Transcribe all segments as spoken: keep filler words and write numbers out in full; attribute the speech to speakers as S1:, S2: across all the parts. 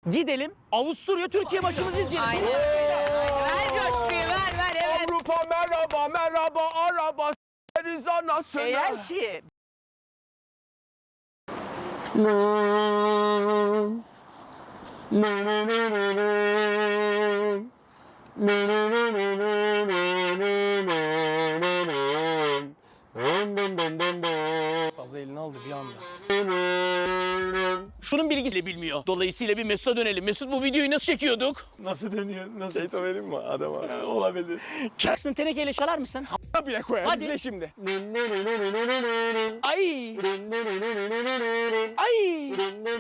S1: Gidelim Avusturya Türkiye maçımızı izleyelim.
S2: Aynen. Ver coşkuyu ver ver evet.
S3: Avrupa merhaba merhaba araba s**eriz anasını.
S1: Eğer ki
S3: Sazı eline aldı bir anda.
S1: şunun bilgisiyle bilmiyor. Dolayısıyla bir Mesut'a dönelim. Mesut bu videoyu nasıl çekiyorduk?
S3: Nasıl dönüyor? Nasıl? Şeyto vereyim mi adama? Ya, olabilir.
S1: Jackson tenekeyle çalar mısın?
S3: Bile koyar.
S1: Hadi.
S3: İzle şimdi.
S1: Ay! Ay!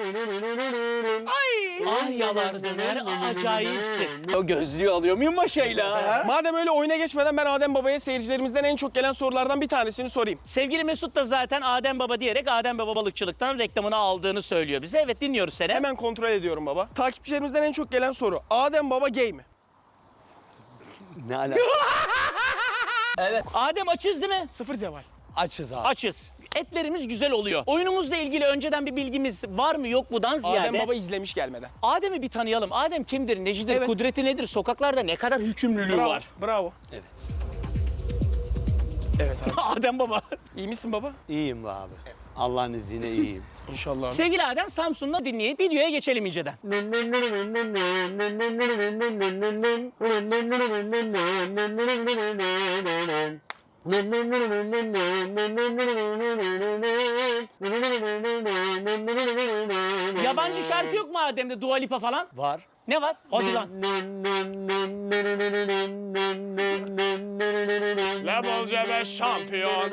S1: Ay! Aryalar döner acayipsin. O gözlüğü alıyor muyum maşayla?
S3: Madem öyle oyuna geçmeden ben Adem Baba'ya seyircilerimizden en çok gelen sorulardan bir tanesini sorayım.
S1: Sevgili Mesut da zaten Adem Baba diyerek Adem Baba balıkçılıktan reklamını aldığını söylüyor bize. Evet dinliyoruz seni.
S3: Hemen kontrol ediyorum baba. Takipçilerimizden en çok gelen soru. Adem Baba gay mi?
S4: Ne alaka?
S1: Evet. Adem açız değil mi?
S3: Sıfır zeval.
S4: Açız abi.
S1: Açız. Etlerimiz güzel oluyor. Oyunumuzla ilgili önceden bir bilgimiz var mı yok mudan ziyade.
S3: Adem Baba izlemiş gelmeden.
S1: Adem'i bir tanıyalım. Adem kimdir, necidir,
S3: Evet.
S1: kudreti nedir, sokaklarda ne kadar hükümlülüğü
S3: Bravo.
S1: var?
S3: Bravo.
S4: Evet.
S3: Evet abi.
S1: Adem Baba.
S3: İyi misin baba?
S4: İyiyim be abi. Allah'ın izniyle iyiyim.
S3: İnşallah abi.
S1: Sevgili Adem, Samsun'la dinleyip videoya geçelim inceden. Yabancı şarkı yok mu Adem'de, Dua Lipa falan?
S4: Var.
S1: Ne var? Hadi lan.
S3: Level C beş şampiyon.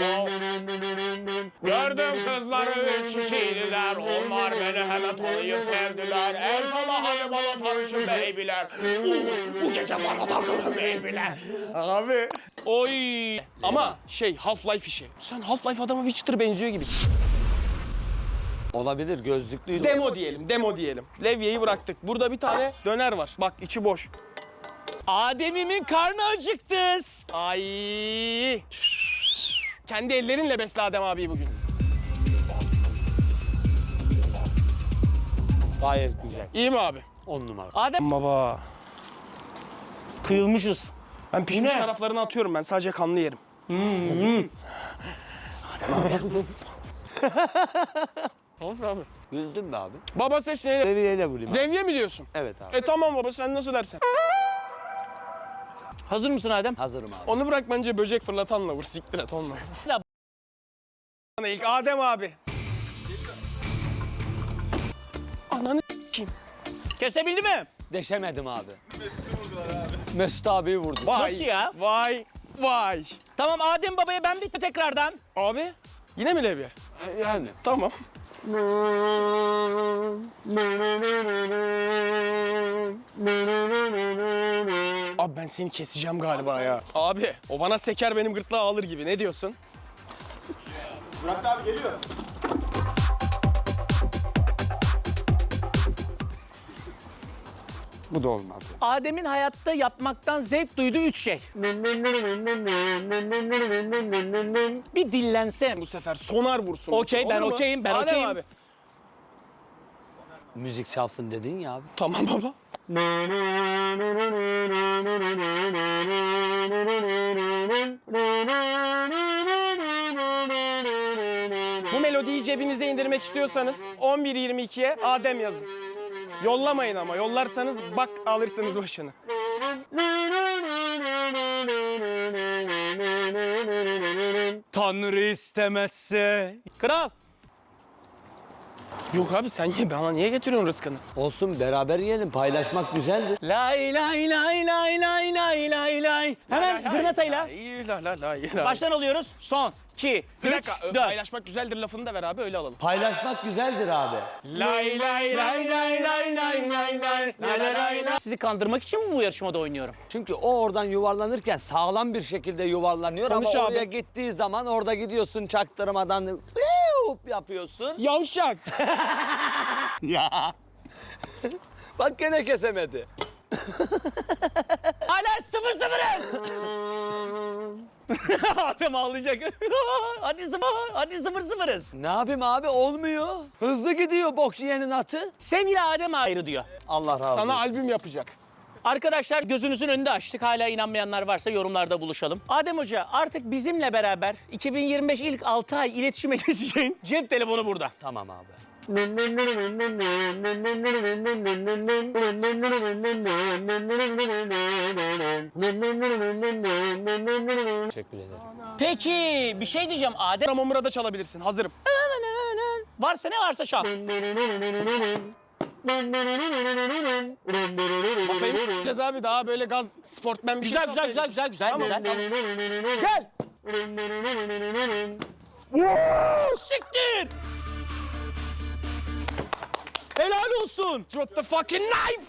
S3: Gördüm kızları üç kişiydiler. Onlar beni hemen tanıyıp sevdiler. El sala hadi bana sarışın beybiler. Uh, bu gece bana takılın beybiler. Abi.
S1: Oy.
S3: Ama şey Half-Life işi. Sen Half-Life adama bir çıtır benziyor gibisin.
S4: Olabilir gözlüklüydü.
S3: Demo diyelim, demo diyelim. Levye'yi bıraktık. Burada bir tane döner var. Bak içi boş.
S1: Adem'imin karnı acıktı.
S3: Ay. Kendi ellerinle besle Adem abi bugün.
S4: Gayet güzel.
S3: İyi mi abi?
S4: On numara.
S1: Adem
S3: Baba.
S1: kıyılmışız.
S3: Ben pişmiş
S1: Ne?
S3: taraflarını atıyorum ben. Sadece kanlı yerim. Olur abi.
S4: Güldün be abi.
S3: Baba seç neyle?
S4: Seviyeyle vurayım abi.
S3: Levye mi diyorsun?
S4: Evet abi.
S3: E tamam baba sen nasıl dersen.
S1: Hazır mısın Adem?
S4: Hazırım abi.
S3: Onu bırak bence böcek fırlatanla vur. Siktir et onunla.
S1: Ya.
S3: İlk Adem abi. Ananı s**eyim.
S1: Kesebildi mi?
S4: Deşemedim abi. Mesut'u vurdular abi. Mesut abiyi vurdum.
S3: Vay.
S1: Nasıl ya?
S3: Vay. Vay.
S1: Tamam Adem Baba'ya ben bir tekrardan.
S3: Abi yine mi levye?
S4: Yani.
S3: Tamam. Abi ben seni keseceğim galiba ya. Abi o bana seker benim gırtlağı alır gibi. Ne diyorsun?
S5: Murat abi geliyor.
S4: Bu da olmadı.
S1: Adem'in hayatta yapmaktan zevk duyduğu üç şey. Bir dillense.
S3: Bu sefer sonar vursun.
S1: Okey, ben
S3: Olur mu?
S1: okeyim, ben
S3: Adem
S1: okeyim.
S3: abi.
S4: Müzik çalsın dedin ya abi.
S3: Tamam baba. Bu melodiyi cebinize indirmek istiyorsanız on bir yirmi ikiye Adem yazın. Yollamayın ama yollarsanız bak alırsınız başını.
S1: Tanrı istemezse. Kral.
S3: Yok abi sen ye bana niye getiriyorsun rızkını?
S4: Olsun beraber yiyelim. Paylaşmak güzeldir.
S1: Lay lay lay lay lay lay lay lay. Hemen gırnatayla.
S3: La la la la.
S1: Baştan alıyoruz. Son, iki,
S3: Bir
S1: üç,
S3: dakika ö-
S1: dört.
S3: paylaşmak güzeldir lafını da ver abi öyle alalım.
S4: Paylaşmak güzeldir abi.
S3: Lay lay lay lay lay lay lay lay lay lay lay.
S1: Sizi kandırmak için mi bu yarışmada oynuyorum?
S4: Çünkü o oradan yuvarlanırken sağlam bir şekilde yuvarlanıyor
S3: Konuş
S4: ama
S3: abi.
S4: oraya gittiği zaman orada gidiyorsun çaktırmadan "Yup" yapıyorsun.
S3: Yavşak.
S4: Ya. Bak gene kesemedi.
S1: Hala sıfır sıfırız. Adem ağlayacak. hadi sıfır, hadi sıfır sıfırız.
S4: Ne yapayım abi olmuyor. Hızlı gidiyor bok yiyenin atı.
S1: Sevgili Adem ayrı diyor.
S4: Allah razı olsun.
S3: Sana albüm yapacak.
S1: Arkadaşlar gözünüzün önünde açtık. Hala inanmayanlar varsa yorumlarda buluşalım. Adem Hoca artık bizimle beraber iki bin yirmi beş ilk altı ay iletişime geçeceğin cep telefonu burada.
S4: Tamam abi. Teşekkür ederim.
S1: Peki bir şey diyeceğim Adem.
S3: Mamura da çalabilirsin. Hazırım.
S1: Varsa ne varsa çal.
S3: Kafayı yapacağız abi. Daha böyle gaz sportmen bir
S1: Güzel
S3: şey
S1: güzel güzel güzel güzel güzel.
S3: Gel.
S1: Siktir. Helal olsun.
S3: Drop the fucking knife.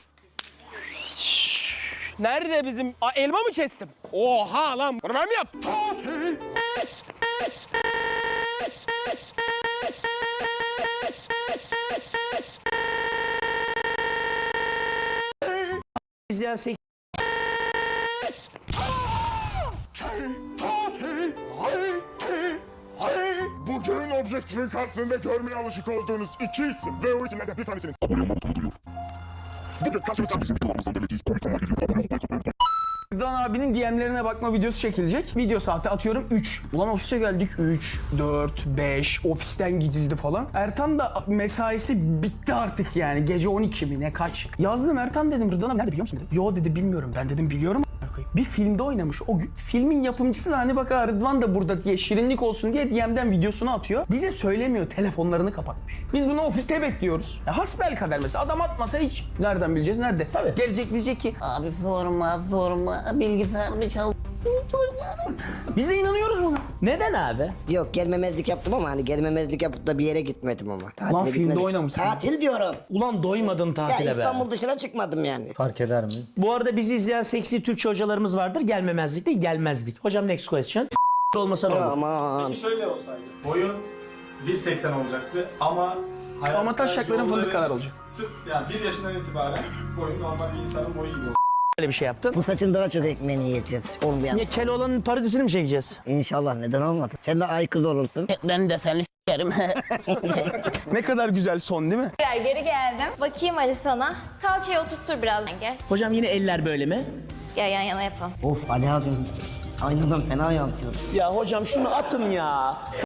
S3: Nerede bizim... Aa, elma mı kestim? Oha lan. Bunu ben mi yaptım?
S1: İzleyen sek-
S6: Bugün objektifin karşısında görmeye alışık olduğunuz iki isim ve o isimlerden bir tanesinin abone olmanı duyuruyor. Bugün karşımızda bizim videolarımızdan delediği komik olma geliyor. Abone olmayı unutmayın.
S7: Rıdvan abinin D M'lerine bakma videosu çekilecek. Video saati atıyorum üç. Ulan ofise geldik üç, dört, beş. Ofisten gidildi falan. Ertan da mesaisi bitti artık yani. Gece on iki mi ne kaç. Yazdım Ertan dedim Rıdvan abi nerede biliyor musun dedim. Yo dedi bilmiyorum. Ben dedim biliyorum. Bir filmde oynamış o gün. Filmin yapımcısı da hani bak ha, Rıdvan da burada diye şirinlik olsun diye D M'den videosunu atıyor. Bize söylemiyor. Telefonlarını kapatmış. Biz bunu ofiste bekliyoruz. Ya hasbelkader mesela adam atmasa hiç nereden bileceğiz nerede? Tabii. Gelecek diyecek ki
S2: Abi forma forma bilgisayarımı çal.
S7: biz de inanıyoruz buna.
S2: Neden abi?
S8: Yok gelmemezlik yaptım ama hani gelmemezlik yapıp da bir yere gitmedim ama. Tatile
S7: Lan filmde
S8: gitmedim.
S7: oynamışsın.
S8: Tatil diyorum.
S2: Ulan doymadın
S8: Ya
S2: tatile be.
S8: İstanbul dışına çıkmadım yani.
S2: Fark eder mi? Bu arada bizi izleyen seksi Türkçe hocalarımız vardır. Gelmemezlik değil gelmezdik. Hocam next question. olmasa ne olur?
S8: Aman.
S5: Şöyle olsaydı. Boyun bir seksen olacaktı ama hayatta
S7: Ama taşacakların
S5: yolları
S7: fındık kadar olacak.
S5: Sırf yani bir yaşından itibaren boyun normal bir insanın boyu gibi
S2: Böyle bir şey yaptın.
S8: Bu saçın daha çok ekmeğini yiyeceğiz. Olmayan.
S2: Niye Keloğlan'ın parodisini mi çekeceğiz?
S8: İnşallah neden olmasın. Sen de ay kız olursun.
S2: Ben de seni s**erim.
S7: Ne kadar güzel son değil mi?
S9: Gel geri geldim. Bakayım Ali sana. Kalçayı oturttur biraz. Gel.
S2: Hocam yine eller böyle mi?
S9: Gel yan yana yapalım.
S8: Of Ali abim. Aynadan fena yansıyor.
S2: Ya hocam şunu atın ya.